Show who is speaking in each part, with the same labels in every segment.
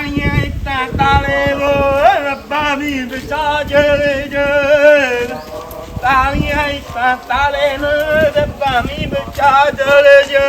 Speaker 1: ਤਾਲੀਆਂ ਇੱਟਾਂ ਤਾਲੇ ਵੋ ਰੱਬਾ ਵੀ ਵਿਚਾ ਜਲੇ ਜੇ ਤਾਲੀਆਂ ਇੱਟਾਂ ਤਾਲੇ ਨੂੰ ਰੱਬਾ ਵੀ ਵਿਚਾ ਜਲੇ ਜੇ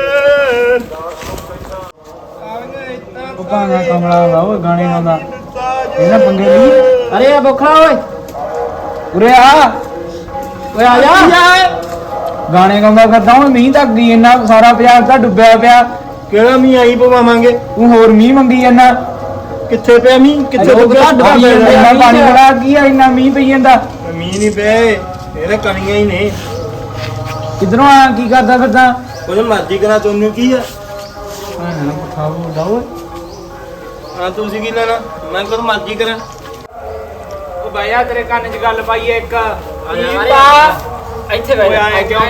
Speaker 2: ਭਾਣਾ ਕਮਲਾ ਦਾ ਓਏ ਗਾਣੇ ਗਾਉਂਦਾ ਇਹਨਾਂ ਪੰਗੇ ਲਈ ਅਰੇ ਆ ਬੋਖਾ ਓਏ ਉਰੇ ਆ ਓਏ ਆ ਜਾ ਗਾਣੇ ਗਾਉਂਦਾ ਫਿਰਦਾ ਹੁਣ ਮੀਂਹ ਤੱਕ ਗਈ ਇੰਨਾ ਸਾਰਾ ਪੰਜਾਬ ਤਾਂ ਡੁੱਬਿਆ ਪਿਆ
Speaker 1: ਕਿਹੜਾ ਮੀਂਹ ਆਈ ਪਵਾਵਾਂਗੇ
Speaker 2: ਤੂੰ ਹੋਰ ਮੀਂਹ ਮੰਗੀ ਜਾਂਦਾ
Speaker 1: ਕਿੱਥੇ ਪਿਆ ਮੀਂਹ ਕਿੱਥੇ
Speaker 2: ਇੰਨਾ ਪਾਣੀ ਬੜਾ ਕੀ ਆ ਇੰਨਾ ਮੀਂਹ ਪਈ ਜਾਂਦਾ
Speaker 1: ਮੀਂਹ ਨਹੀਂ ਪਏ ਇਹਦੇ ਕਣੀਆਂ ਹੀ ਨੇ
Speaker 2: ਕਿਧਰੋਂ ਆ ਕੀ ਕਰਦਾ ਫਿਰਦਾ
Speaker 1: ਕੁਝ ਮਰਜ਼ੀ ਕਰਾਂ ਤੁਹਾਨੂੰ ਕੀ ਆ
Speaker 2: ਖਾਓ ਦਾਓ
Speaker 1: ਹਾਂ ਤੁਸੀਂ ਕੀ ਲੈਣਾ ਮੈਂ ਕੁਝ ਮਰਜ਼ੀ ਕਰਾਂ
Speaker 2: ਉਹ ਬਾਇਆ ਤੇਰੇ ਕੰਨ 'ਚ ਗੱਲ ਪਾਈ ਇੱਕ
Speaker 1: ਇੱਥੇ ਬੈਠ ਆਏ ਕਿਉਂ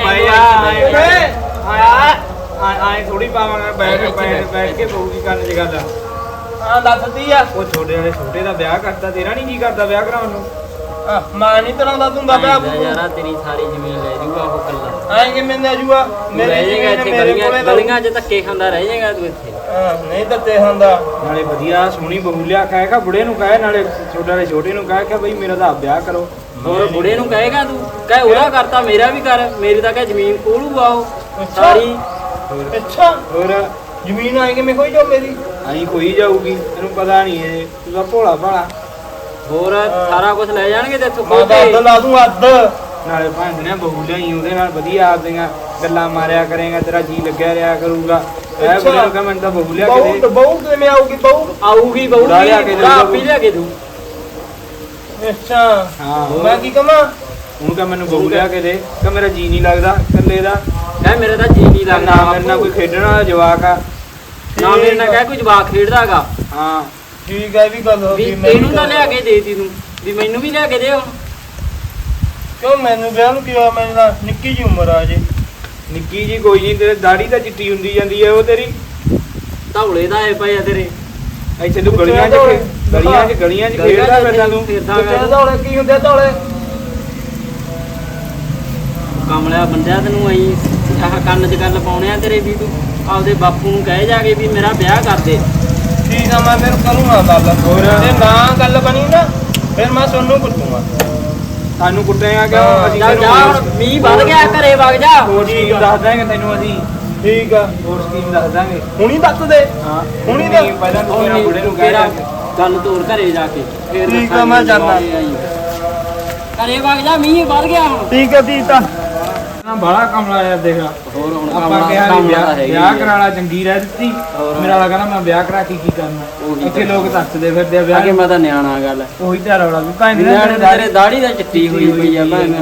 Speaker 2: ਆਏ ਥੋੜੀ ਪਾਵਾਂਗਾ ਬੈਠ ਕੇ ਪਊਗੀ ਕੰਨ 'ਚ ਗੱਲ
Speaker 1: ਹਾਂ ਦੱਸਦੀ ਆ
Speaker 2: ਉਹ ਛੋਟੇ ਦਾ ਵਿਆਹ ਕਰਦਾ ਤੇਰਾ ਨਹੀਂ ਕੀ ਕਰਦਾ ਵਿਆਹ ਕਰਾਉਣ ਨੂੰ
Speaker 1: ਮਾਂ ਨਹੀਂ ਤਰਾਂ ਦਾ ਤੁੰਦਾ ਪਿਆ
Speaker 3: ਯਾਰਾ ਤੇਰੀ ਸਾਰੀ ਜ਼ਮੀਨ ਲੈ ਜੂਗਾ ਉਹ ਕੱਲਾ
Speaker 1: ਐਂ ਕਿਵੇਂ ਲੈ ਜੂਗਾ
Speaker 3: ਗਲੀਆਂ 'ਚ ਧੱਕੇ ਖਾਂਦਾ ਰਹਿ ਜਾਏਗਾ ਤੂੰ ਇੱਥੇ
Speaker 1: ਨਹੀਂ ਦਿੱਤੇ ਹੁੰਦਾ
Speaker 2: ਨਾਲੇ ਵਧੀਆ ਸੋਹਣੀ ਬਹੂ ਲਿਆ ਕਹੇਗਾ ਬੁੜੇ ਨੂੰ ਕਹੇ ਨਾਲੇ ਛੋਟੇ ਨੂੰ ਕਹੇ ਕਿ ਬਈ ਮੇਰਾ ਤਾਂ ਵਿਆਹ ਕਰੋ
Speaker 3: ਹੋਰ ਬੁੜੇ ਨੂੰ ਕਹੇਗਾ ਤੂੰ ਕਹੇ ਉਹਦਾ ਕਰਤਾ ਮੇਰਾ ਵੀ ਕਰ ਮੇਰੀ ਤਾਂ ਕਹੇ ਜ਼ਮੀਨ ਕੋਲੂਗਾ ਉਹ ਸਾਰੀ
Speaker 1: ਅੱਛਾ ਹੋਰ ਜ਼ਮੀਨ ਆਏ ਕਿਵੇਂ ਕੋਈ ਜੋ ਮੇਰੀ
Speaker 2: ਆਈ ਕੋਈ ਜਾਊਗੀ ਤੈਨੂੰ ਪਤਾ ਨਹੀਂ ਇਹ ਤੂੰ ਤਾਂ ਭੋਲਾ ਭਾਲਾ
Speaker 3: ਹੋਰ ਸਾਰਾ ਕੁਝ ਲੈ ਜਾਣਗੇ ਤੇ ਇੱਥੋਂ
Speaker 1: ਮੈਂ ਤਾਂ ਅੱਧ ਲਾ ਦੂੰ ਅੱਧ
Speaker 2: ਨਾਲੇ ਭਾਂਡਿਆਂ ਬਹੂ ਲਿਆਈ ਉਹਦੇ ਨਾਲ ਵਧੀਆ ਆਪਦੀਆਂ ਗੱਲਾਂ ਮਾਰਿਆ ਕਰੇਗਾ ਤੇਰਾ ਜੀ ਲੱਗਿਆ ਰਿਹਾ ਕਰੂਗਾ ਇਹ ਬੁੜੇ ਨੂੰ ਕਹ ਮੈਨੂੰ ਤਾਂ ਬਹੂ ਲਿਆ ਕੇ ਦੇ
Speaker 1: ਬਹੂ ਕਿਵੇਂ ਆਊਗੀ ਬਹੂ
Speaker 3: ਆਊਗੀ ਬਹੂ ਲਿਆ ਕੇ ਲਿਆ ਕੇ ਦੂ
Speaker 1: ਅੱਛਾ
Speaker 2: ਹਾਂ
Speaker 1: ਮੈਂ ਕੀ ਕਹਾਂ
Speaker 2: ਹੁਣ ਕਹ ਮੈਨੂੰ ਬਹੂ ਲਿਆ ਕੇ ਦੇ ਕਿ ਮੇਰਾ ਜੀ ਨਹੀਂ ਲੱਗਦਾ ਇਕੱਲੇ ਦਾ
Speaker 3: ਕਹੇ ਮੇਰੇ ਤਾਂ ਜੀ ਨਹੀਂ ਲੱਗਦਾ
Speaker 2: ਨਾ ਮੇਰੇ ਨਾਲ ਕੋਈ ਖੇਡਣ ਵਾਲਾ ਜਵਾਕ ਆ
Speaker 3: ਨਾ ਮੇਰੇ ਨਾਲ ਕਹੇ ਕੋਈ ਜਵਾਕ ਖੇਡਦਾਗਾ
Speaker 2: ਹਾਂ
Speaker 1: ਠੀਕ ਹੈ ਵੀ ਗੱਲ ਹੋ ਗਈ
Speaker 3: ਤੈਨੂੰ ਤਾਂ ਲਿਆ ਕੇ ਦੇਤੀ ਤੂੰ ਵੀ ਮੈਨੂੰ ਵੀ ਲਿਆ ਕੇ ਦੇ ਹੁਣ
Speaker 1: ਕਿਉਂ ਮੈਨੂੰ ਵਿਆਹ ਨੂੰ ਕੀ ਹੋਇਆ ਮੈਨੂੰ ਤਾਂ ਨਿੱਕੀ ਜੀ ਉਮਰ ਆ ਜੇ
Speaker 2: ਨਿੱਕੀ ਜੀ ਕੋਈ ਨਹੀਂ ਤੇਰੇ ਦਾੜੀ ਤਾਂ ਚਿੱਟੀ ਹੁੰਦੀ ਜਾਂਦੀ ਹੈ ਉਹ ਤੇਰੀ
Speaker 3: ਧੌਲੇ ਦਾ ਆਏ ਪਏ ਆ ਤੇਰੇ
Speaker 2: ਇੱਥੇ ਤੂੰ ਗਲੀਆਂ 'ਚ ਖੇਡਦਾ ਫਿਰਦਾ ਤੂੰ
Speaker 1: ਧੌਲੇ ਕੀ ਹੁੰਦੇ ਧੌਲੇ
Speaker 3: ਕਮਲਿਆ ਬੰਦਿਆ ਤੈਨੂੰ ਆਈ ਆਹ ਕੰਨ 'ਚ ਗੱਲ ਪਾਉਣੇ ਆ ਤੇਰੇ ਵੀ ਤੂੰ ਆਪਦੇ ਬਾਪੂ ਨੂੰ ਕਹੇ ਜਾ ਕੇ ਵੀ ਮੇਰਾ ਵਿਆਹ ਕਰ ਦੇ
Speaker 1: ਠੀਕ ਆ ਮੈਂ ਮੈਨੂੰ ਕਰੂੰਗਾ ਗੱਲ
Speaker 2: ਹੋਰ
Speaker 1: ਜੇ ਨਾ ਗੱਲ ਬਣੀ ਨਾ ਫਿਰ ਮੈਂ ਤੁਹਾਨੂੰ ਕੁੱਟੂਗਾ
Speaker 2: ਸਾਨੂੰ ਕੁੱਟੇਗਾ ਕਿਉਂ ਅਸੀਂ
Speaker 3: ਚੱਲ ਜਾ ਹੁਣ ਮੀਂਹ ਵੱਧ ਗਿਆ ਘਰੇ ਵਗ ਜਾ
Speaker 2: ਹੋਰ ਸਕੀਮ ਦੱਸ ਦਾਂਗੇ ਤੈਨੂੰ ਅਸੀਂ
Speaker 1: ਠੀਕ ਆ
Speaker 2: ਹੋਰ ਸਕੀਮ ਦੱਸ ਦਾਂਗੇ
Speaker 1: ਹੁਣੀ ਦੱਸ ਦੇ
Speaker 2: ਹਾਂ
Speaker 1: ਹੁਣੀ ਤਾਂ
Speaker 2: ਪਹਿਲਾਂ ਤੂੰ ਮੇਰਾ ਬੁੜੇ ਨੂੰ ਕਹਿ
Speaker 3: ਤੇਰਾ ਗੱਲ ਤੋਰ ਘਰੇ ਜਾ ਕੇ ਫੇਰ
Speaker 1: ਠੀਕ ਆ, ਮੈਂ ਜਾਨਾ।
Speaker 3: ਘਰੇ ਵਗ ਜਾ ਮੀਂਹ ਵੱਧ ਗਿਆ ਹੁਣ
Speaker 1: ਠੀਕ ਆ ਦੀਤਾ
Speaker 2: ਨਾ ਬਾਲਾ ਕਮਲਾ ਯਾਰ ਦੇਖ
Speaker 3: ਹੋਰ ਹੁਣ
Speaker 2: ਆਪਾਂ ਕਿਹਾ ਵੀ ਵਿਆਹ ਕਰਾਲਾ ਚੰਗੀ ਰਹਿ ਦਿੱਤੀ
Speaker 3: ਹੋਰ।
Speaker 2: ਮੇਰਾ ਲੱਗਾ ਨਾ ਮੈਂ ਵਿਆਹ ਕਰਾ ਕੇ ਕੀ ਕਰਨਾ
Speaker 3: ਉਹੀ
Speaker 2: ਇੱਥੇ ਲੋਕ ਦੱਸਦੇ ਫਿਰਦੇ ਆ ਵਿਆਹ
Speaker 3: ਅੱਗੇ ਮੈਂ ਤਾਂ ਨਿਆਣਾ ਗੱਲ
Speaker 2: ਉਹੀ ਤਾਂ ਰੌਲਾ ਵੀ ਭਾਂ
Speaker 3: ਤੇਰੇ ਦਾੜੀ ਦਾ ਚਿੱਟੀ ਹੋਈ ਪਈ ਆ ਭਾਂ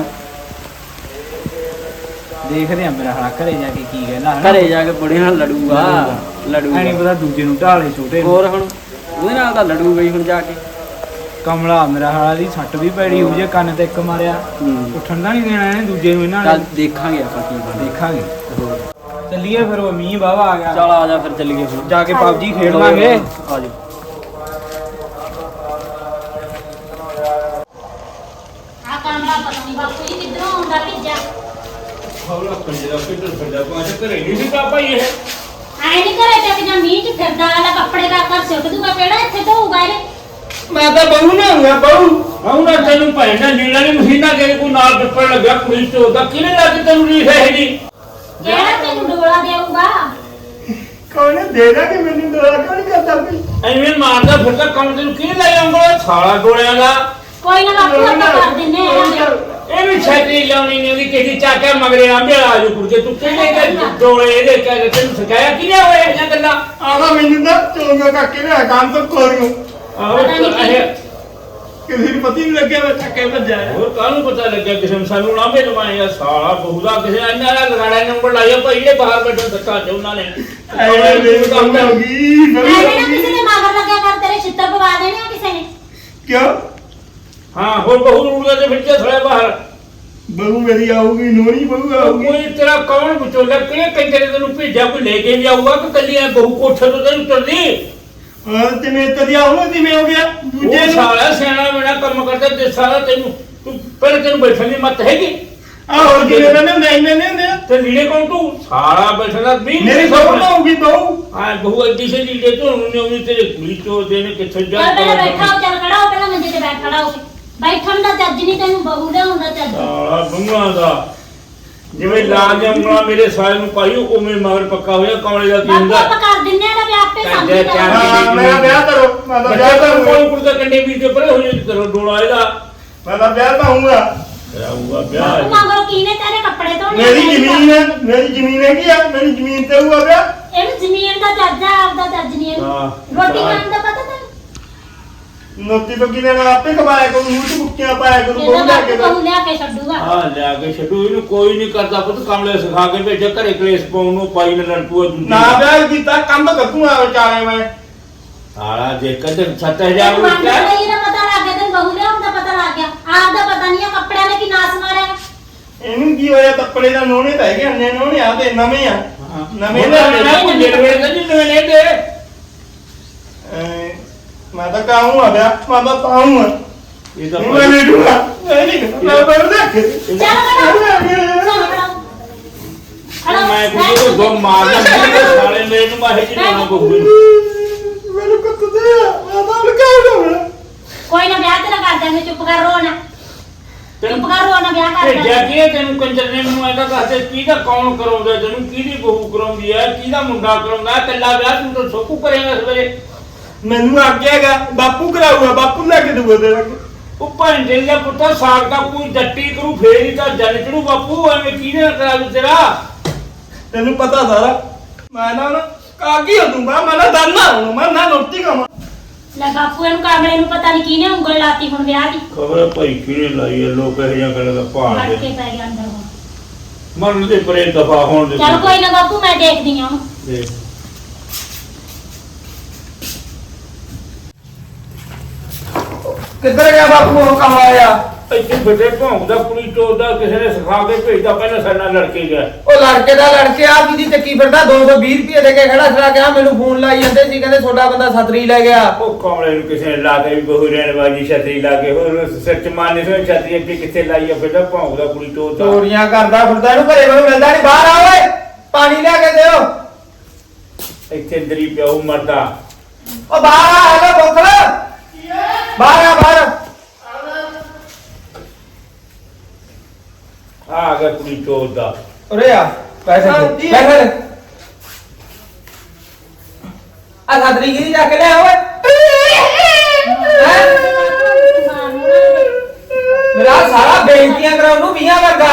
Speaker 2: ਦੇਖਦੇ ਆ ਮੇਰਾ ਹਾਲ ਘਰੇ ਜਾ ਕੇ ਕੀ ਕਹਿੰਦਾ
Speaker 3: ਘਰੇ ਜਾ ਕੇ ਬੁੜੇ ਨਾਲ ਲੜੂਗਾ
Speaker 2: ਨਹੀਂ ਪਤਾ ਦੂਜੇ ਨੂੰ ਢਾਲੇ ਛੋਟੇ ਨੂੰ।
Speaker 3: ਹੋਰ ਹੁਣ ਉਹਦੇ ਨਾਲ ਤਾਂ ਲੜੂਗਾ ਹੀ ਹੁਣ ਜਾ ਕੇ
Speaker 2: ਕਮਲਾ ਮੇਰਾ ਹਾਲਾ ਦੀ ਸੱਟ ਵੀ ਪੈੜੀ ਹੋ ਜੇ ਕੰਨ ਤੇ ਇੱਕ ਮਾਰਿਆ ਉੱਠਣ ਦਾ ਨਹੀਂ ਦੇਣਾ ਇਹਨੇ ਦੂਜੇ ਨੂੰ ਇਹਨਾਂ
Speaker 3: ਚੱਲ
Speaker 2: ਨੇ
Speaker 3: ਦੇਖਾਂਗੇ ਆਪਾਂ ਕੀ ਬਣਦਾ
Speaker 2: ਦੇਖਾਂਗੇ ਚੱਲੀਏ ਫਿਰ ਉਹ ਮੀਂਹ ਵਾਵਾ ਆ ਗਿਆ
Speaker 3: ਚੱਲ ਆ ਜਾ ਫਿਰ ਚੱਲੀਏ ਹੁਣ
Speaker 2: ਜਾ ਕੇ ਪਬਜੀ ਖੇਡ ਲਾਂਗੇ
Speaker 3: ਆ ਜਾ
Speaker 4: ਆ ਕਾਮਰਾ ਪਤਾ ਨਹੀਂ ਬਾਪੂ ਜੀ ਕਿੱਧਰੋਂ ਆਉਂਦਾ ਭਿੱਜਾ
Speaker 1: ਹੌਲਾ ਪੰਜਰਾ ਪਿੱਟਰ ਫਿਰਦਾ ਪਾਛ ਘਰੇ ਨਹੀਂ ਦਿੱਤਾ ਭਾਈ ਇਹ
Speaker 4: ਆਏ ਨਹੀਂ ਘਰੇ ਤੇ ਕਿ ਜਾਂ ਮੀਂਹ ਚ ਫਿਰਦਾ ਵਾਲਾ ਕੱਪੜੇ ਦਾ ਕਰ ਸੁੱਟ ਦੂਗਾ ਕਿਹੜਾ ਇੱਥੇ ਧੋਊਗਾ ਇਹਨੇ
Speaker 1: ਮੈਂ ਤਾਂ ਬਹੂ ਨਾ ਹੁੰਗਾ ਬਹੂ ਨਾ ਤੈਨੂੰ ਭੈਣਾ ਲੀੜਾ ਨਹੀਂ ਮਹੀਨਾ ਕੇ ਕੋਈ ਨਾਲ ਪੱਪੜ ਲੱਗਿਆ ਪੁਲਿਸ ਤੋਂ ਦਾ ਕਿਹਨੇ ਲਾ ਕੇ ਤੈਨੂੰ ਲੀੜਾ ਹੈ ਜੀ
Speaker 4: ਕਿਹੜਾ ਤੈਨੂੰ ਡੋਲਾ ਦੇਊਗਾ
Speaker 1: ਕੌਣ ਦੇਗਾ ਕਿ ਮੈਨੂੰ ਡੋਲਾ ਕਿਉਂ ਨਹੀਂ ਕਰਦਾ ਕੋਈ ਐਵੇਂ ਮਾਰਦਾ ਫਿਰਦਾ ਕੰਮ ਤੈਨੂੰ ਕਿਹਨੇ ਲੈ ਆਉਂਗਾ ਸਾਲਾ ਗੋਲਿਆਂ ਦਾ
Speaker 4: ਕੋਈ ਨਾ ਬਾਪੂ ਆਪਾਂ ਕਰ ਦਿੰਨੇ ਆ
Speaker 1: ਇਹ ਵੀ ਛੇਤੀ ਲਾਉਣੀ ਨਹੀਂ ਉਹਦੀ ਕਿਸੇ ਚਾਕੇ ਮਗਰੇ ਆਂਬੇ ਆ ਜੂ ਕੁੜਕੇ ਤੂੰ ਕਿਹਨੇ ਕਿ ਡੋਲੇ ਇਹਦੇ ਕਹਿ ਤੈਨੂੰ ਸਿਖਾਇਆ ਕਿਹਨੇ ਹੋਏ ਇਹ ਗੱਲਾਂ ਆਵਾ ਮੈਨੂੰ ਨਾ ਚੋਂਗਾ ਕਾਕੇ ਨੇ ਕੰਮ ਤੋਂ ਕੋਰਿਓ ਆਹ ਕਿਸੇ ਨੂੰ ਪਤੀ ਨਹੀਂ ਲੱਗਿਆ ਮੈਂ ਥੱਕੇ ਭੱਜਿਆ ਹੋਰ ਕਾਹਨੂੰ ਪਤਾ ਲੱਗਿਆ ਕਿਸੇ ਨੂੰ ਸਾਨੂੰ ਲਾਂਬੇ ਲਵਾਏ ਆ ਸਾਲਾ ਬਹੁਦਾ ਕਿਸੇ ਇੰਨਾ ਦਾ ਲਗਾੜਾ ਨੰਬਰ ਲਾਇਆ ਭਾਈ ਜਿਹੜੇ ਬਾਹਰ ਬੈਠੇ ਧੱਕਾ ਤੇ ਉਹਨਾਂ ਨੇ ਐਵੇਂ ਮੇਰੀ ਕੰਮ ਹੋ ਗਈ
Speaker 4: ਐਵੇਂ ਨਾ ਕਿਸੇ ਦੇ ਮਗਰ ਲੱਗਿਆ ਕਰ ਤੇਰੇ ਛਿੱਤਰ ਪਵਾ ਦੇਣੇ ਆ ਕਿਸੇ ਨੇ
Speaker 1: ਕਿਉਂ ਹਾਂ ਹੋਰ ਬਹੂ ਰੂੜਦਾ ਤੇ ਫਿੱਟੇ ਥੋੜਾ ਬਾਹਰ ਬਹੂ ਮੇਰੀ ਆਊਗੀ ਨੋਰੀ ਬਹੂ ਆਊਗੀ ਕੋਈ ਤੇਰਾ ਕੌਣ ਵਿਚੋਲਾ ਕਿਹਨੇ ਕੰਜਰੇ ਤੈਨੂੰ ਭੇਜਿਆ ਕੋਈ ਲੈ ਕੇ ਵੀ ਆਊਗਾ ਕਿ ਕੱਲੀ ਐ ਬਹੂ ਕੋਠੇ ਤੋਂ ਤੈਨੂੰ ਤੁਰਦੀ ਹਾਂ ਤੇ ਮੈਂ ਤਦੀ ਆਉਣਾ ਤੇ ਮੈਂ ਹੋ ਗਿਆ ਦੂਜੇ ਸਾਲਾ ਸਿਆਣਾ ਮੇਰਾ ਕੰਮ ਕਰਦਾ ਤੇ ਸਾਲਾ ਤੈਨੂੰ ਤੂੰ ਪਹਿਲੇ ਤੈਨੂੰ ਬੈਠਣ ਦੀ ਮੱਤ ਹੈਗੀ
Speaker 5: ਆ ਹੋਰ ਕਿਵੇਂ ਬੰਦੇ ਹੁੰਦੇ ਇੰਨੇ ਨਹੀਂ ਹੁੰਦੇ
Speaker 1: ਤੇ ਲੀੜੇ ਕੌਣ ਤੂੰ ਸਾਰਾ ਬੈਠਾ ਵੀ
Speaker 5: ਮੇਰੀ ਸੋਚ ਨਾ ਹੋਊਗੀ ਬਹੂ
Speaker 1: ਆ ਬਹੂ ਅੱਡੀ ਸੇ ਲੀੜੇ ਧੋਣ ਨੂੰ ਆਉਂਦੀ ਤੇਰੇ ਕੁੜੀ ਤੋਂ ਦੇਣੇ ਕਿੱਥੇ ਜਾ
Speaker 4: ਚੱਲ ਪਹਿਲਾਂ ਬੈਠਾ ਹੋ, ਚੱਲ ਖੜਾ ਹੋ, ਪਹਿਲਾਂ ਮੰਜੇ ਤੇ ਬੈਠ ਖੜਾ ਹੋ ਕੇ। ਬੈਠਣ ਦਾ ਚੱਜ ਨਹੀਂ ਤੈਨੂੰ, ਬਹੂ ਲਿਆਉਣ ਦਾ ਚੱਜ।
Speaker 1: ਸਾਲਾ ਬੰਗਾਂ ਦਾ ਜਿਵੇਂ ਲਾਲ ਜੰਗਲਾ ਮੇਰੇ ਸਾਲੇ ਨੂੰ ਪਾਈ ਉਵੇਂ ਮਗਰ ਪੱਕਾ ਹੋਇਆ ਕਮਲੇ ਦਾ ਕੀ
Speaker 4: ਬਾਪੂ
Speaker 1: ਹੁੰਦਾ
Speaker 4: ਆਪਾਂ ਕਰ ਦਿੰਨੇ ਆ ਨਾ ਵੀ ਆਪੇ ਸਮਝ
Speaker 1: ਚੱਲ,
Speaker 4: ਜਾ।
Speaker 5: ਹਾਂ ਮੇਰਾ ਵਿਆਹ ਕਰੋ ਮੈਂ ਤਾਂ ਵਿਆਹ
Speaker 1: ਬੱਚਾ
Speaker 5: ਕਰੂੰਗਾ
Speaker 1: ਕੋਈ ਕੁੜਦਾ ਕੰਡੇ ਵੀਰ ਤੇ ਪਰੇ ਹੋ ਜੇ ਕਰੋ ਡੋਲਾ ਇਹਦਾ
Speaker 5: ਮੈਂ ਤਾਂ ਵਿਆਹ ਤਾਂ ਹੋਊਗਾ
Speaker 1: ਕਰਾਊਗਾ
Speaker 4: ਤੂੰ
Speaker 1: ਵਿਆਹ
Speaker 4: ਮੰਗਰੋ ਕੀਨੇ ਤੇਰੇ ਕੱਪੜੇ ਧੋਣੇ?
Speaker 5: ਮੇਰੀ ਜ਼ਮੀਨ ਹੈ ਮੇਰੀ ਜ਼ਮੀਨ ਹੈਗੀ ਆ ਮੇਰੀ ਜ਼ਮੀਨ ਤੇ ਹੋਊਗਾ ਵਿਆਹ
Speaker 4: ਇਹਨੂੰ ਜ਼ਮੀਨ ਦਾ ਚੱਜ ਆ, ਆਪਦਾ ਚੱਜ ਨਹੀਂ ਇਹਨੂੰ।
Speaker 1: ਹਾਂ।
Speaker 4: ਰੋਟੀ ਖਾਣ ਦਾ ਪਤਾ ਤੈਨੂੰ?
Speaker 5: ਨੋਤੀ ਤੋਂ ਕਿਨੇ ਨਾਲ ਆਪੇ ਕਮਾਇਆ ਕਰੂ ਮੂੰਹ ਚ ਮੁੱਕੀਆਂ ਪਾਇਆ ਕਰੂ
Speaker 4: ਇਹਦਾ
Speaker 5: ਬਹੂ ਲੈ ਕੇ
Speaker 4: ਬਾਪੂ ਬਹੂ ਲਿਆ ਕੇ ਛੱਡੂਗਾ।
Speaker 1: ਹਾਂ ਲਿਆ ਕੇ ਛੱਡੂ ਇਹਨੂੰ ਕੋਈ ਨਹੀਂ ਕਰਦਾ ਪੁੱਤ ਕਮਲੇ ਸਿਖਾ ਕੇ ਭੇਜਿਆ ਘਰੇ ਕਲੇਸ਼ ਪਾਉਣ ਨੂੰ ਪਾਈ ਨੇ ਲੜਪੂਆ ਦੂਜੀ
Speaker 5: ਨਾ ਵਿਆਹ ਕੀਤਾ ਕੰਮ ਕਰੂੰਗਾ ਵਿਚਾਰੇ ਮੈਂ
Speaker 1: ਸਾਲਾ ਜੇ ਕਦੇ 7000
Speaker 4: ਤੈਨੂੰ ਮੰਨ
Speaker 1: ਰੁਪਇਆ
Speaker 4: ਲਈ ਨਾ ਪਤਾ ਲੱਗ ਗਿਆ, ਤੈਨੂੰ ਬਹੂ ਲਿਆਉਣ ਦਾ ਪਤਾ ਲੱਗ ਗਿਆ। ਆਪਦਾ ਪਤਾ ਨਹੀਂ ਆ ਕੱਪੜਿਆਂ ਨੇ ਕੀ ਨਾਸ ਮਾਰਿਆ।
Speaker 5: ਇਹਨੂੰ ਕੀ ਹੋਇਆ ਕੱਪੜੇ ਦਾ ਨੋਣੇ ਤਾਂ ਹੈਗੇ ਅੰਨੇ ਨੋਣੇ ਆ ਤੇ ਨਵੇਂ ਆ ਨਵੇਂ
Speaker 1: ਮੈਂ
Speaker 5: ਲੈ
Speaker 1: ਪੁੰਜੇ ਵੇਲੇ ਤਾਂ ਜਿੰਨੇ ਨੇ ਦੇ
Speaker 5: ਮੈਂ ਤਾਂ ਕਾਹੂੰ ਆ ਵਿਆਹ ਮੈਂ ਤਾਂ ਪਾਹੂੰ ਆ
Speaker 1: ਇਹ ਤਾਂ
Speaker 5: ਮੈਂ ਨਹੀਂ ਡੂਗਾ ਮੈਂ ਨਹੀਂ ਮੈਂ ਬਰ ਦੇਖ
Speaker 4: ਚੱਲ ਖੜਾ ਚੱਲ ਖੜਾ
Speaker 1: ਮੈਂ ਕੋਈ ਦੋ ਮਾਰਦਾ ਮੇਰੇ ਸਾਲੇ ਮੇਰੇ ਨੂੰ ਮਾਹੇ ਜੀ ਨਾ ਬਹੂ
Speaker 5: ਮੈਨੂੰ ਕੁੱਤੇ ਆ ਮੈਂ ਤਾਂ ਲਗਾਉਂਦਾ
Speaker 4: ਕੋਈ ਨਾ ਵਿਆਹ ਤੇਰਾ ਕਰ ਦਾਂਗੇ, ਚੁੱਪ ਕਰ ਰੋ ਨਾ। ਚੁੱਪ ਕਰ ਰੋ ਨਾ, ਵਿਆਹ ਕਰ
Speaker 1: ਭੇਜਿਆ
Speaker 4: ਦਾਂਗੇ।
Speaker 1: ਕੀ ਹੈ ਤੈਨੂੰ ਕੰਜਰ ਨੇ ਮੈਨੂੰ ਐਦਾ ਦੱਸਦੇ ਕਿਹਦਾ ਕੌਣ ਕਰਾਉਂਦਾ ਤੈਨੂੰ ਕਿਹਦੀ ਬਹੂ ਕਰਾਉਂਦੀ ਹੈ ਕਿਹਦਾ ਮੁੰਡਾ ਕਰਾਉਂਦਾ ਕੱਲਾ ਵਿਆਹ ਤੂੰ ਤਾਂ ਸੋਕੂ ਕਰੇਗਾ ਸਵੇਰੇ
Speaker 5: ਮੈਨੂੰ ਆਗਿਆਗਾ ਬਾਪੂ ਕਰਾਊਗਾ ਬਾਪੂ ਲੈ ਕੇ ਦੂਗਾ ਤੇਰਾ
Speaker 1: ਉਹ ਭਾਂਡੇ ਦਾ ਪੁੱਤਰ ਸਾਗ ਦਾ ਕੋਈ ਜੱਟੀ ਕਰੂ ਫੇਰ ਹੀ ਤਾਂ ਜਨ ਚੜੂ ਬਾਪੂ ਐਵੇਂ ਕਿਹਦੇ ਨਾਲ ਕਰਾ ਦੂ ਤੇਰਾ
Speaker 5: ਤੈਨੂੰ ਪਤਾ ਸਾਰਾ ਮੈਂ ਨਾ ਕਾਗੀ ਹੋ ਦੂੰਗਾ ਮੈਂ ਨਾ ਦਾਨਾ ਹੁਣ ਮੈਂ ਨਾ ਰੋਟੀ ਖਾਵਾਂ
Speaker 4: ਲੈ ਬਾਪੂ ਇਹਨੂੰ ਕਾਮਲੇ ਨੂੰ ਪਤਾ ਨਹੀਂ ਕਿਹਨੇ ਉਂਗਲ ਲਾਤੀ ਹੁਣ ਵਿਆਹ ਦੀ।
Speaker 1: ਖਬਰ ਭਾਈ ਕਿਹਨੇ ਲਾਈ ਹੈ ਲੋਕ ਇਹ ਜਿਹਾ ਗੱਲ ਦਾ
Speaker 4: ਵੜ
Speaker 1: ਭਾਲ
Speaker 4: ਕੇ
Speaker 1: ਦੇ
Speaker 4: ਪੈ ਗਿਆ ਅੰਦਰ ਹੁਣ।
Speaker 1: ਮਰਨ ਦੇ ਪਰੇ ਦਫਾ ਹੋਣ ਦੇ
Speaker 4: ਚੱਲ ਕੋਈ ਨਾ ਬਾਪੂ, ਮੈਂ ਦੇਖਦੀ ਆ ਉਹਨੂੰ।
Speaker 1: ਦੇਖ।
Speaker 2: ਕਿੱਧਰ ਗਿਆ ਬਾਪੂ ਉਹ ਕੰਮ ਆਇਆ
Speaker 1: ਇੱਥੇ ਬੇਟੇ ਭੌਂਕਦਾ ਕੁੜੀ ਚੋਦਾ ਕਿਸੇ ਨੇ ਸਿਖਾ ਕੇ ਭੇਜਦਾ ਪਹਿਲਾਂ ਸਾਡੇ ਨਾਲ ਲੜਕੇ ਗਿਆ
Speaker 2: ਉਹ ਲੜਕੇ ਦਾ ਲੜਕੇ ਆ ਕਿਹਦੀ ਚੱਕੀ ਫਿਰਦਾ 220 ਰੁਪਏ ਦੇ ਕੇ ਖੜਾ ਛੜਾ ਗਿਆ ਮੈਨੂੰ ਫੋਨ ਲਾਈ ਜਾਂਦੇ ਸੀ ਕਹਿੰਦੇ ਤੁਹਾਡਾ ਬੰਦਾ ਛਤਰੀ ਲੈ ਗਿਆ
Speaker 1: ਉਹ ਕਮਲੇ ਨੂੰ ਕਿਸੇ ਨੇ ਲਾ ਕੇ ਵੀ ਬਹੂ ਰਹਿਣ ਵਾਲੀ ਛਤਰੀ ਲਾ ਕੇ ਹੋਰ ਸਿਰ ਚ ਮਾਰਨੇ ਸੋ ਛਤਰੀ ਅੱਗੇ ਕਿੱਥੇ ਲਾਈ ਆ ਬੇਟਾ ਭੌਂਕਦਾ ਕੁੜੀ ਚੋਦਾ
Speaker 2: ਚੋਰੀਆਂ ਕਰਦਾ ਫਿਰਦਾ ਇਹਨੂੰ ਘਰੇ ਮੈਨੂੰ ਮਿਲਦਾ ਨਹੀਂ ਬਾਹਰ ਆ ਓਏ ਪਾਣੀ ਲਿਆ ਕੇ ਦਿਓ
Speaker 1: ਇੱਥੇ ਅੰਦਰ ਹੀ ਪਿਆ ਉਹ ਮਰਦਾ
Speaker 2: ਉਹ ਬਾਹਰ ਆ ਹੈਗਾ ਬੋਖਲ ਬਾਹਰ ਆ ਬਾਹਰ
Speaker 1: ਆ ਗਿਆ ਕੁੜੀ ਚੋਦਾ
Speaker 2: ਉਰੇ ਆ ਪੈਸੇ ਦੇ ਪੈਸੇ ਦੇ ਆ ਛਤਰੀ ਕਿਹਦੀ ਜਾ ਕੇ ਲੈ ਓਏ ਮੇਰਾ ਸਾਰਾ ਬੇਇੱਜ਼ਤੀਆਂ ਕਰਾਉਣ ਨੂੰ ਮੀਆਂ ਵਰਗਾ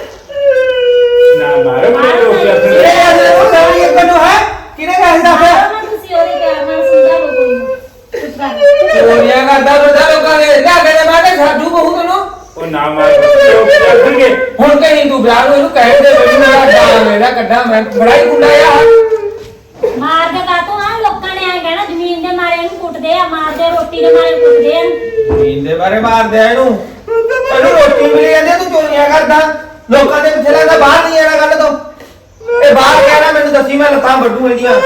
Speaker 1: ਨਾ ਮਾਰੋ ਮੇਰੇ ਲੋਕ
Speaker 2: ਇਹ
Speaker 1: ਆਪਣੇ
Speaker 2: ਅਜੇ ਉਹ ਸਾਰੀ ਇੱਕ ਨੂੰ ਹੈ ਕਿਹਨੇ ਕਹਿ ਦਿੱਤਾ ਫਿਰ
Speaker 4: ਆਹ ਨਾ ਤੁਸੀਂ ਉਹਦੇ ਪਿਆਰ ਨਾਲ ਸਮਝਾਵੋ ਕੋਈ ਨਾ। ਚੁੱਪ ਕਰ।
Speaker 2: ਚੋਰੀਆਂ ਕਰਦਾ ਫਿਰਦਾ ਲੋਕਾਂ ਦੇ ਲਿਆ ਕੇ ਦੇ ਮੈਂ ਕਿ ਛੱਡੂ ਬਹੂ ਤੈਨੂੰ
Speaker 1: ਉਹ ਨਾ ਮਾਰੋ ਲੋਕ ਕਰਨਗੇ
Speaker 2: ਹੁਣ ਕਹੀਂ ਤੂੰ ਵਿਆਹ ਨੂੰ ਇਹਨੂੰ ਕਹਿ ਦੇ ਬਈ ਮੇਰਾ ਡਾਂਗ ਮੇਰਾ ਕੱਢਾ ਮੈਂ ਬੜਾ ਹੀ ਗੁੰਡਾ ਯਾਰ
Speaker 4: ਮਾਰ ਦੇ ਕਾਤੋਂ ਆ, ਲੋਕਾਂ ਨੇ ਐ ਕਹਿਣਾ ਜ਼ਮੀਨ ਦੇ ਮਾਰੇ ਇਹਨੂੰ ਕੁੱਟਦੇ ਆ, ਮਾਰਦੇ ਰੋਟੀ ਦੇ ਮਾਰੇ ਕੁੱਟਦੇ ਆ।
Speaker 2: ਜ਼ਮੀਨ ਦੇ ਬਾਰੇ ਮਾਰਦੇ ਆ ਇਹਨੂੰ ਇਹਨੂੰ ਰੋਟੀ ਮਿਲੀ ਜਾਂਦੀ ਆ, ਤੂੰ ਚੋਰੀਆਂ ਕਰਦਾ ਲੋਕਾਂ ਦੇ ਪਿੱਛੇ ਲੱਗਦਾ ਬਾਹਰ ਨਹੀਂ ਆਣਾ ਗੱਲ ਤੋਂ ਇਹ ਬਾਹਰ ਕਹਿਣਾ ਮੈਨੂੰ ਦੱਸੀ ਮੈਂ ਲੱਤਾਂ ਵੱਢੂ ਇਹਦੀਆਂ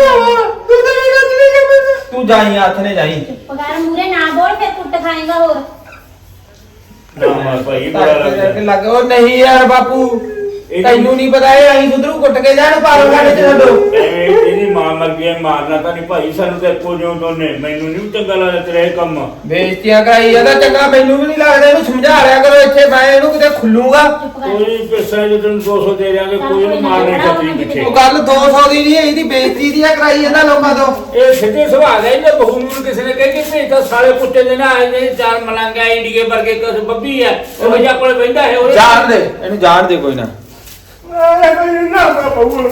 Speaker 2: ਤੂੰ ਜਾਈ ਹੱਥ ਨੇ ਜਾਈ
Speaker 4: ਚੁੱਪ ਕਰ, ਮੂਰੇ ਨਾ ਬੋਲ, ਫਿਰ ਕੁੱਟ ਖਾਏਗਾ ਹੋਰ।
Speaker 1: ਨਾ ਮਾਰ ਭਾਈ ਬੜਾ ਲੱਗਦਾ
Speaker 2: ਲੱਗ ਉਹ ਨਹੀਂ ਯਾਰ ਬਾਪੂ ਤੈਨੂੰ ਨਹੀਂ ਪਤਾ ਇਹ ਅਸੀਂ ਸੁਧਰੂ ਕੁੱਟ ਕੇ ਜਾਣ ਪਾਗਲ ਖਾਣੇ ਚ ਛੱਡੋ
Speaker 1: ਐਵੇਂ ਇਹਦੀ ਮਾਂ ਮਰ ਗਈ ਹੈ, ਮਾਰਨਾ ਤਾਂ ਨਹੀਂ ਭਾਈ ਸਾਨੂੰ ਤੇ ਇੱਕੋ ਜਿਉਂ ਦੋਨੇ ਮੈਨੂੰ ਨਹੀਂ ਚੰਗਾ ਲੱਗਦਾ ਤੇਰਾ ਇਹ ਕੰਮ
Speaker 2: ਬੇਇੱਜ਼ਤੀਆਂ ਕਰਾਈ ਜਾਂਦਾ ਚੰਗਾ ਮੈਨੂੰ ਵੀ ਨਹੀਂ ਲੱਗਦਾ ਇਹਨੂੰ ਸਮਝਾ ਰਿਆ ਕਰੋ ਇੱਥੇ ਮੈਂ ਇਹਨੂੰ ਕਿਤੇ ਖੁੱਲੂਗਾ
Speaker 4: ਚੁੱਪ ਕਰ।
Speaker 1: ਕੋਈ ਪੈਸਾ ਜੇ ਤੈਨੂੰ 200 ਦੇ ਦਿਆਂਗੇ ਕੋਈ ਨਹੀਂ ਮਾਰਨੇ ਖੱਤਰੀ ਪਿੱਛੇ
Speaker 2: ਉਹ ਗੱਲ 200 ਦੀ ਨਹੀਂ ਇਹਦੀ ਬੇਇੱਜ਼ਤੀ ਦੀ ਆ ਕਰਾਈ ਜਾਂਦਾ ਲੋਕਾਂ ਤੋਂ
Speaker 1: ਇਹ ਸਿੱਧੇ ਸੁਭਾਅ ਦਾ ਇਹਨੇ ਬਹੂ ਨੂੰ ਕਿਸੇ ਨੇ ਕਹਿ ਕੇ ਭੇਜਦਾ ਸਾਲੇ ਕੁੱਤੇ ਦੇ ਨਾ ਆਏ ਚਾਰ ਮਲੰਗਾ ਇੰਡੀਏ ਵਰਗੇ ਕੁਝ ਬੱਬੀ ਹੈ ਉਹ ਜਿਹਾ ਕੋਲ ਬੈਠਾ ਹੈ ਉਹ
Speaker 2: ਜਾਣ ਦੇ ਇਹਨੂੰ ਜਾਣ ਦੇ ਕੋਈ ਨਾ
Speaker 5: ਨਾ ਬਾਪੂ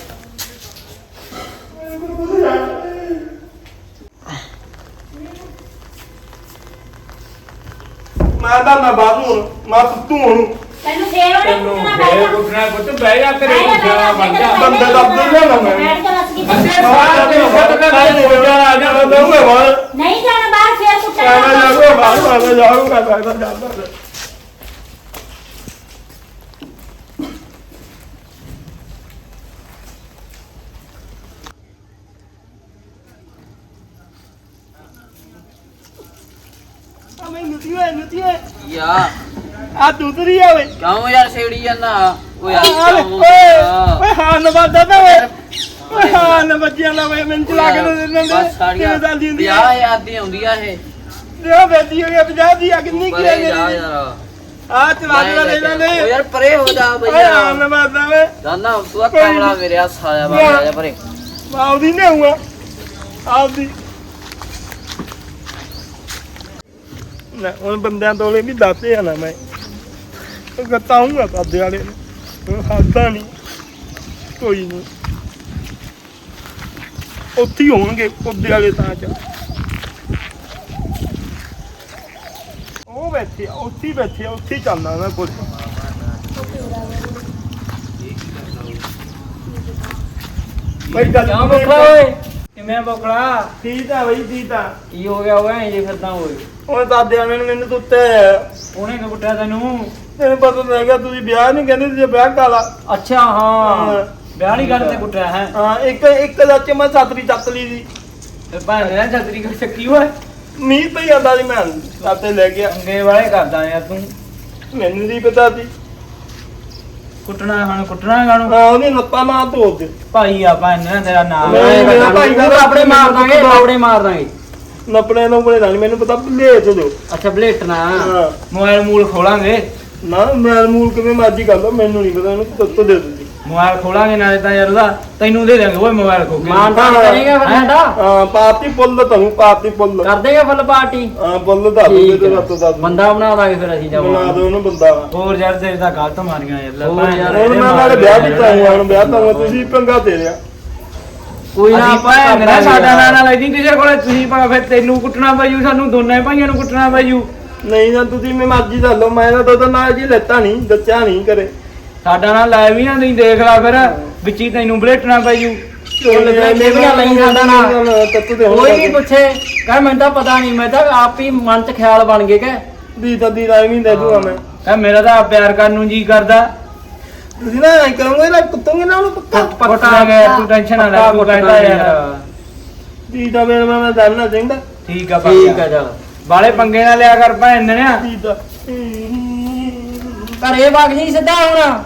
Speaker 5: ਮੈਂ ਤਾਂ ਮੈਂ ਬਾਪੂ ਮੈਂ ਤੂੰ ਹੁਣ
Speaker 4: ਤੈਨੂੰ ਫੇਰ ਉਹਨੇ
Speaker 1: ਤੈਨੂੰ
Speaker 4: ਕੁੱਟਣਾ
Speaker 1: ਫੇਰ
Speaker 4: ਪੈਣਾ।
Speaker 1: ਕੁੱਟਣਾ ਪੁੱਤ ਬਹਿ ਜਾ ਕਰੇ
Speaker 4: ਬਹਿ ਜਾ,
Speaker 1: ਬਣ ਜਾ
Speaker 5: ਬੰਦੇ ਦਾ ਦਿਲ ਨਾ ਮੈਂ
Speaker 4: ਬੈਠ ਜਾ ਬਸ ਕਿਤੇ।
Speaker 1: ਅੱਛੇ ਬਾਹਰ ਦੇ ਫਟਕਾ ਦੇ ਹੋ ਜਾ ਆ ਜਾ
Speaker 5: ਦਊਂਗਾ ਬਾਹਰ
Speaker 4: ਨਹੀਂ ਜਾਣਾ ਬਾਹਰ, ਫੇਰ ਕੁੱਟਣਾ
Speaker 5: ਮੈਂ
Speaker 4: ਪੈਣਾ।
Speaker 5: ਜਾਊਂਗਾ ਬਾਹਰ ਮੈਂ ਜਾਊਂਗਾ ਮੈਂ ਤਾਂ ਜਾਂਦਾ
Speaker 2: ਯਾ
Speaker 5: ਆ ਦੂਸਰੀ ਆ ਓਏ
Speaker 3: ਕਿਉਂ ਯਾਰ ਛੇੜੀ ਜਾਂਦਾ ਓਏ
Speaker 5: ਓਏ ਹਾਂ ਨਵਾਦਾ ਤਾਂ ਓਏ ਹਾਂ ਨਵਜਿਆ ਨਾ ਓਏ ਮੈਨੂੰ ਚਲਾ ਕੇ ਦੇ ਦਿੰਦੇ
Speaker 3: ਬਸ ਸਾਰੀਆਂ
Speaker 5: ਕਿਵੇਂ ਚੱਲਦੀ ਹੁੰਦੀ
Speaker 3: 50,000 ਦੀ ਆਉਂਦੀ ਆ ਇਹ
Speaker 5: ਦੇਖੋ ਬੇਟੀ ਹੋ ਗਿਆ 50 ਦੀ ਆ ਕਿੰਨੀ ਕੀ ਆ
Speaker 3: ਪਰੇ ਜਾ
Speaker 5: ਮੇਰੀ
Speaker 3: ਯਾਰ
Speaker 5: ਆ ਚਲਾ ਚਲਾ ਦੇ ਲੈਂਦੇ
Speaker 3: ਓ ਯਾਰ ਪਰੇ ਹੋ ਜਾ ਬਈ
Speaker 5: ਓਏ ਹਾਂ
Speaker 3: ਯਾਰ
Speaker 5: ਨਵਾਦਾ ਵੇ
Speaker 3: ਜਾਨਾ ਤੂੰ ਆ ਕਮਲਾ ਮੇਰੇ ਆ ਸਾਲਿਆ ਬਾਬਾ ਜਾ ਪਰੇ
Speaker 5: ਆਉਦੀ ਨਹੀਂ ਆਉਂਗਾ ਆਉਦੀ ਨਾ ਹੁਣ ਬੰਦਿਆਂ ਤੋਲੇ ਵੀ ਦੱਸੇ ਆ ਨਾ ਮੈਂ ਗਤਾਉਂਗਾ ਕਾਦੇ ਵਾਲੇ ਨੂੰ ਹੱਦਾਂ ਨਹੀਂ ਕੋਈ ਨਹੀਂ ਉੱਥੇ ਹੀ ਹੋਣਗੇ ਕੁੱਦੇ ਵਾਲੇ ਤਾਂ ਚ ਉਹ ਬੈਠੇ ਆ, ਉੱਥੇ ਹੀ ਬੈਠੇ ਆ, ਉੱਥੇ ਹੀ ਚੱਲਦਾ ਮੈਂ ਕੁਝ ਬਈ ਗੱਲ
Speaker 3: ਕਿਉਂ ਬੋਕਲਾ ਓਏ ਕਿਵੇਂ ਬੋਕਲਾ
Speaker 5: ਠੀਕ ਆ ਬਈ ਠੀਕ ਆ
Speaker 3: ਕੀ ਹੋ ਗਿਆ ਓਏ ਜੇ ਫਿਰਦਾ ਓਏ
Speaker 5: ਉਹ ਦਾਦਿਆਂ ਨੇ ਮੈਨੂੰ ਤੁੱਤੇ
Speaker 3: ਉਹਨੇ ਕਿ ਕੁੱਟਿਆ ਤੈਨੂੰ
Speaker 5: ਤੈਨੂੰ ਪਤਾ ਤਾਂ ਹੈਗਾ ਤੁਸੀਂ ਵਿਆਹ ਨਹੀਂ ਕਹਿੰਦੇ ਸੀ ਵਿਆਹ ਕਾਲਾ
Speaker 3: ਅੱਛਾ ਹਾਂ ਵਿਆਹ ਵਾਲੀ ਗੱਲ ਤੇ ਕੁੱਟਿਆ ਹੈ
Speaker 5: ਹਾਂ ਇੱਕ ਸੱਚ ਮੈਂ ਛਤਰੀ ਚੱਕ ਲਈ ਸੀ
Speaker 3: ਤੇ ਭਾਵੇਂ ਨਾ ਛਤਰੀ ਕੋ ਚੱਕੀ ਓਏ
Speaker 5: ਮੀਂਹ ਪਈ ਜਾਂਦਾ ਸੀ ਮੈਂ ਸਾਤੇ ਲੈ ਗਿਆ
Speaker 3: ਅੰਗੇ ਵਾਲੇ ਕਰਦਾ ਯਾਰ ਤੂੰ
Speaker 5: ਮੈਨੂੰ ਨਹੀਂ ਪਤਾ ਸੀ
Speaker 3: ਕੁੱਟਣਾ ਗਾਣੂ
Speaker 5: ਹਾਂ ਉਹਨੇ ਲੱਤਾਂ ਮਾਰ ਧੋ ਦੇ
Speaker 3: ਭਾਈ ਆਪਾਂ ਇਹਨਾਂ ਤੇਰਾ ਨਾਮ
Speaker 5: ਮੇਰਾ ਭਾਈ ਦਾ
Speaker 3: ਆਪਣੇ ਮਾਰ ਦਾਂਗੇ ਆਪਣੇ ਮਾਰ ਦਾਂਗੇ
Speaker 5: ਨਪਣੇ ਨੂੰ ਬੜੇ ਨਾਲ ਮੈਨੂੰ ਪਤਾ ਭੁੱਲੇ ਤੇ ਦਿਓ
Speaker 3: ਅੱਛਾ ਬਲੇਟਣਾ
Speaker 5: ਹਾਂ
Speaker 3: ਮੋਬਾਈਲ ਮੂਲ ਖੋਲਾਂਗੇ
Speaker 5: ਨਾ ਮੈਂ ਮੂਲ ਕਿਵੇਂ ਮਰਜੀ ਕਰ ਲਓ ਮੈਨੂੰ ਨਹੀਂ ਪਤਾ ਉਹਨੂੰ ਤੱਤ ਦੇ ਦਿਓ
Speaker 3: ਮੋਬਾਈਲ ਖੋਲਾਂਗੇ ਨਾਲੇ ਤਾਂ ਯਾਰ ਉਹਦਾ ਤੈਨੂੰ ਦੇ ਦਾਂਗੇ ਓਏ ਮੋਬਾਈਲ ਖੋ ਕੇ
Speaker 5: ਮਾਨਤਾ
Speaker 3: ਕਰੇਗਾ ਫਿਰ ਸਾਡਾ
Speaker 5: ਹਾਂ ਪਾਰਟੀ ਪੁੱਲ ਤੁਹਾਨੂੰ ਪਾਰਟੀ ਪੁੱਲ
Speaker 3: ਕਰ ਦੇਗਾ ਫੁੱਲ ਪਾਰਟੀ
Speaker 5: ਹਾਂ ਪੁੱਲ ਦੱਸ ਦੇ ਤੇ ਰੱਤ ਦੱਸ
Speaker 3: ਬੰਦਾ ਬਣਾ ਦਾਂਗੇ ਫਿਰ ਅਸੀਂ
Speaker 5: ਬਣਾ
Speaker 3: ਜਾਵਾਂਗੇ
Speaker 5: ਦੋ ਉਹਨੂੰ ਬੰਦਾ
Speaker 3: ਹੋਰ ਯਾਰ ਤੇਰੇ ਤਾਂ ਗਲਤ ਮਾਰੀਆਂ ਯਾਰ
Speaker 5: ਹੁਣ ਮੈਂ ਨਾਲੇ ਵਿਆਹ ਵੀ ਚਾਹੂੰਗਾ ਹੁਣ ਵਿਆਹ ਤਾਂ ਤੁਸੀਂ ਪੰਗਾ ਦੇ ਰਿਆ
Speaker 3: ਕੋਈ ਨਾ ਆਪਾਂ ਮੇਰਾ ਸਾਡਾ ਨਾ ਲੈ ਜੀ ਕਿਸੇ ਕੋਲੇ ਤੁਸੀਂ ਫਿਰ ਤੈਨੂੰ ਕੁੱਟਣਾ ਪਈੂ ਸਾਨੂੰ ਦੋਨੇ ਭਾਈਆਂ ਨੂੰ ਕੁੱਟਣਾ ਪਈੂ
Speaker 5: ਨਹੀਂ ਨਾ ਤੁਸੀਂ ਮੈਂ ਮਰਜ਼ੀ ਦੱਸ ਲਓ ਮੈਂ ਤਾਂ ਉਹਦਾ ਨਾਲ ਜੀ ਲੈਤਾ ਨਹੀਂ ਦੱਸਿਆ ਨਹੀਂ ਕਰੇ
Speaker 3: ਸਾਡਾ ਨਾਲ ਲੈ ਵੀ ਨਾ ਨਹੀਂ ਦੇਖ ਲਾ ਫਿਰ ਵਿੱਚੀ ਤੈਨੂੰ ਬਲੇਟਣਾ ਪਈੂ ਲਈ ਸਾਡਾ ਨਾਲ
Speaker 5: ਤੱਤ ਦੇ
Speaker 3: ਕੋਈ ਨਹੀਂ ਪੁੱਛੇ ਕਹ ਮੈਨੂੰ ਤਾਂ ਪਤਾ ਨਹੀਂ ਮੈਂ ਤਾਂ ਆਪ ਹੀ ਮਨ ਚ ਖਿਆਲ ਬਣ ਗਏ ਕਿ
Speaker 5: ਦੀ ਤਾਂ ਦੀ ਰਾਈ ਨਹੀਂ ਦੇ ਦੂੰਗਾ ਮੈਂ
Speaker 3: ਕਹ ਮੇਰਾ ਤਾਂ ਪਿਆਰ ਕਰਨ ਨੂੰ ਜੀ ਕਰਦਾ
Speaker 5: ਤੁਸੀਂ ਨਾ ਐ ਕਰੋਗੇ ਨਾ ਕੁੱਤੋਗੇ ਨਾ ਉਹਨੂੰ ਪੱਕਾ
Speaker 3: ਪਟਾਂਗੇ ਤੂੰ ਟੈਨਸ਼ਨ ਨਾ ਲੈ ਤੂੰ ਕਹਿੰਦਾ ਯਾਰ
Speaker 5: ਦੀ ਤਾਂ ਮੈਂ ਜਾਣਨਾ ਚਾਹੀਦਾ
Speaker 3: ਠੀਕ ਆ ਚੱਲ ਬਾਲੇ ਪੰਗੇ ਨਾ ਲਿਆ ਕਰ ਭੈਣ ਨੇ
Speaker 5: ਦੀ ਤਾਂ
Speaker 3: ਘਰੇ ਵਗ ਜੀ ਸਿੱਧਾ ਹੁਣ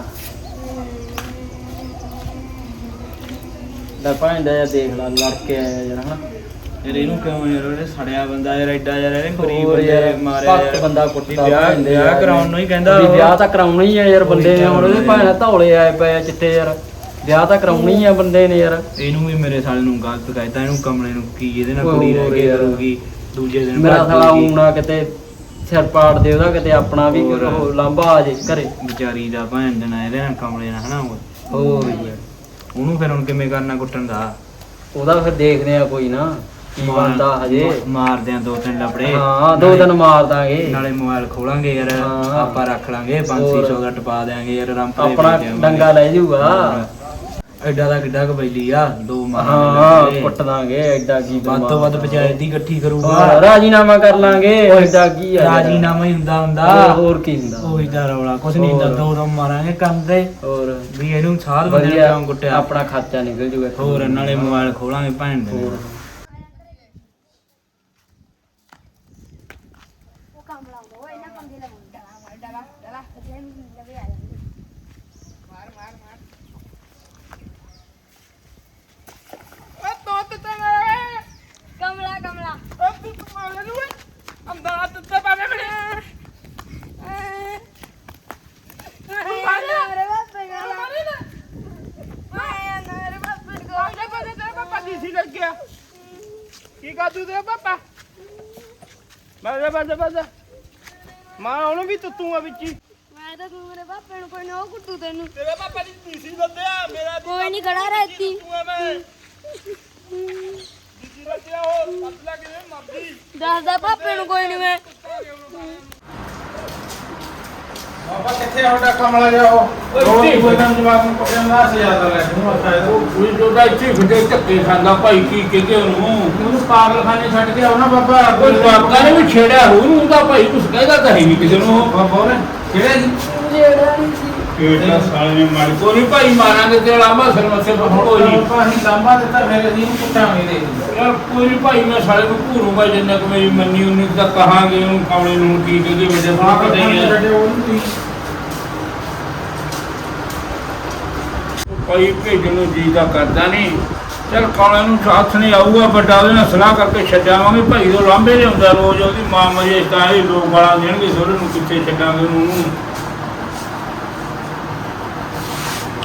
Speaker 3: ਲੈ ਭੈਣ ਦਾ ਯਾਰ ਦੇਖ ਲਾ ਲੜ ਕੇ ਆਇਆ ਯਾਰ ਹਨਾ ਯਾਰ ਇਹਨੂੰ ਕਿਉਂ ਯਾਰ ਉਹਨੇ ਸੜਿਆ ਬੰਦਾ ਯਾਰ ਐਡਾ ਯਾਰ ਇਹਨੇ ਗਰੀਬ ਬੰਦੇ ਮਾਰਿਆ ਯਾਰ ਬੰਦਾ ਕੁੱਟਦਾ ਵਿਆਹ ਕਰਾਉਣ ਨੂੰ ਹੀ ਕਹਿੰਦਾ ਵਿਆਹ ਤਾਂ ਕਰਾਉਣਾ ਹੀ ਆ ਯਾਰ ਬੰਦੇ ਨੇ ਹੁਣ ਉਹਦੇ ਭੈਣ ਧੌਲੇ ਆਏ ਪਏ ਆ ਚਿੱਟੇ ਯਾਰ ਵਿਆਹ ਤਾਂ ਕਰਾਉਣਾ ਹੀ ਆ ਬੰਦੇ ਨੇ ਯਾਰ ਇਹਨੂੰ ਵੀ ਮੇਰੇ ਸਾਲੇ ਨੂੰ ਗਲਤ ਕਹਿਤਾ ਇਹਨੂੰ ਕਮਲੇ ਨੂੰ ਕੀ ਇਹਦੇ ਨਾਲ ਕੁੜੀ ਰਹਿ ਕੇ ਕਰੂਗੀ ਦੂਜੇ ਦਿਨ ਮੇਰਾ ਸਾਲਾ ਊਣਾ ਕਿਤੇ ਸਿਰ ਪਾੜ ਦੇ ਉਹਦਾ ਕਿਤੇ ਆਪਣਾ ਵੀ ਲਾਂਭਾ ਆ ਜੇ ਘਰੇ ਵਿਚਾਰੀ ਦਾ ਭੈਣ ਦੇ ਨਾਲ ਇਹਦੇ ਨਾਲ ਕਮਲੇ ਨਾਲ ਹਨਾ ਹੋਰ ਯਾਰ ਉਹਨੂੰ ਫਿਰ ਹੁਣ ਕਿਵੇਂ ਕਰਨਾ ਕੁੱਟਣ ਦਾ ਉਹਦਾ ਫਿਰ ਦੇਖਦੇ ਆ ਕੋਈ ਨਾ ਕੀ ਬਣਦਾ ਹਜੇ ਮਾਰਦੇ ਆ 2-3 ਲੱਪੜੇ ਹਾਂ 2 ਦਿਨ ਮਾਰ ਦਾਂਗੇ ਨਾਲੇ ਮੋਬਾਈਲ ਖੋਲਾਂਗੇ ਯਾਰ ਆਪਾਂ ਰੱਖ ਲਾਂਗੇ 500 ਦਾ ਟਪਾ ਦੇਾਂਗੇ ਯਾਰ ਰੰਪਲੇ ਆਪਣਾ ਡੰਗਾ ਲੈ ਜਾਊਗਾ ਐਡਾ ਦਾ ਕਿੱਡਾ ਕਬੈਲੀ ਆ 2 ਮਾਰਾਂਗੇ ਕੁੱਟ ਦਾਂਗੇ ਐਡਾ ਕੀ ਵੱਧ ਤੋਂ ਵੱਧ ਪੰਚਾਇਤ ਦੀ ਇਕੱਠੀ ਕਰੂਗਾ ਰਾਜੀਨਾਮਾ ਕਰ ਲਾਂਗੇ ਐਡਾ ਕੀ ਆ ਰਾਜੀਨਾਮਾ ਹੀ ਹੁੰਦਾ ਹੋਰ ਕੀ ਹੁੰਦਾ ਉਹੀ ਦਾ ਰੌਲਾ ਕੁਛ ਨਹੀਂ ਹੁੰਦਾ 2 ਮਾਰਾਂਗੇ ਕੰਦੇ ਹੋਰ ਵੀ ਇਹਨੂੰ ਸਾਧ ਬੰਦੇ ਨੂੰ ਕੁੱਟਿਆ ਆਪਣਾ ਖਰਚਾ ਨਿਕਲ ਜੂਗਾ ਹੋਰ ਨਾਲੇ ਮੋਬਾਈਲ ਖੋਲਾਂਗੇ ਭੈਣ ਦੇ
Speaker 5: ਕੀ ਕਾਦੂ ਤੇ ਪਾਪਾ ਬਸ ਮਾਂ ਉਹਨੂੰ ਵੀ ਤੁੱਤੂਗਾ ਵਿੱਚ ਹੀ
Speaker 6: ਮੈਂ ਤਾਂ ਤੂੰ ਮੇਰੇ ਪਾਪੇ ਨੂੰ ਕੋਈ ਨਾ ਉਹ ਕੁੱਟੂ ਤੈਨੂੰ
Speaker 5: ਤੇਰੇ ਪਾਪਾ ਦੀ ਤੀਸੀ ਬੰਦਿਆ ਮੇਰਾ
Speaker 6: ਕੋਈ ਨਹੀਂ ਖੜਾ ਰਹਿਤੀ
Speaker 5: ਮੈਂ ਤੀਸੀ ਬੰਦਿਆ ਉਹ ਪਤਲਾ ਕਿਵੇਂ ਮਰਦੀ
Speaker 6: ਦੱਸਦਾ ਪਾਪੇ ਨੂੰ ਕੋਈ ਨਹੀਂ ਮੈਂ
Speaker 2: ਬਾਬਾ ਕਿੱਥੇ ਆਉਂਦਾ ਕਮਲਾ ਜਾਓ ਰੋਟੀ ਕੋਈ ਨਾ ਜਵਾਬ ਨੂੰ ਪਕੜਨ ਦਾ ਸਿਆਦਾ ਲੈ ਤੂੰ ਆਖਾ
Speaker 1: ਕੋਈ ਜੋਦਾ ਇੱਥੇ ਫਿੱਟੇ ਧੱਕੇ ਖਾਂਦਾ ਭਾਈ ਕੀ ਕਹਿੰਦੇ ਉਹਨੂੰ ਪਾਗਲਖਾਨੇ ਛੱਡ ਕੇ ਆਉਣਾ ਬਾਬਾ ਕੋਈ ਬਾਬਾ ਨੇ ਵੀ ਛੇੜਿਆ ਉਹਨੂੰ ਤਾਂ ਭਾਈ ਕੁਛ ਕਹਿੰਦਾ ਤਾਂ ਹੈ ਨਹੀਂ ਕਿਸੇ ਨੂੰ
Speaker 2: ਬਾਬਾ ਨੇ ਕਿਹੜੇ ਜੀ
Speaker 6: ਜਿਹੜਾ ਨਹੀਂ ਸੀ
Speaker 1: ਕਿਹੜਾ ਸਾਲੇ ਨੇ ਮਾਰੀ ਕੋਈ ਨੀ ਭਾਈ ਮਾਰਾਂਗੇ ਤੇ ਲਾਂਬਾ ਸਿਰ ਮੱਥੇ ਪਰ ਕੋਈ ਨਹੀਂ
Speaker 2: ਅਸੀਂ ਲਾਂਬਾ ਦਿੱਤਾ ਫਿਰ ਅਸੀਂ ਇਹਨੂੰ ਕੁੱਟਾਂਗੇ ਦੇ
Speaker 1: ਯਾਰ ਕੋਈ ਨੀ ਭਾਈ ਮੈਂ ਸਾਲੇ ਨੂੰ ਘੂਰੂਗਾ ਜਿੰਨਾ ਕਿ ਮੇਰੀ ਮੰਨੀ ਉਨੀ ਕੁ ਤਾਂ ਕਹਾਂਗੇ ਉਹਨੂੰ ਕਾਮਲੇ ਨੂੰ ਕੀ ਕਹਦੇ ਵਜੇ ਪਤਾ ਹੀ ਹੈ ਭਾਈ ਭੇਜਣ ਨੂੰ ਜੀ ਦਾ ਕਰਦਾ ਨਹੀਂ ਚਲ ਕਾਲੇ ਨੂੰ ਹੱਥ ਨਹੀਂ ਆਊਗਾ ਵੱਡਾ ਉਹਦੇ ਨਾਲ ਸਲਾਹ ਕਰਕੇ ਛੱਡਾਵਾਂਗੇ ਭਾਈ ਉਹ ਲਾਂਬੇ ਲਿਆਉਂਦਾ ਰੋਜ਼ ਉਹਦੀ ਮਾਂ ਮਰੇ ਤਾਂ ਇਹ ਲੋਕ ਗਾਲਾਂ ਦੇਣਗੇ ਸੋਰੇ ਨੂੰ ਕਿੱਥੇ ਛੱਡਾਂਗੇ ਉਹਨੂੰ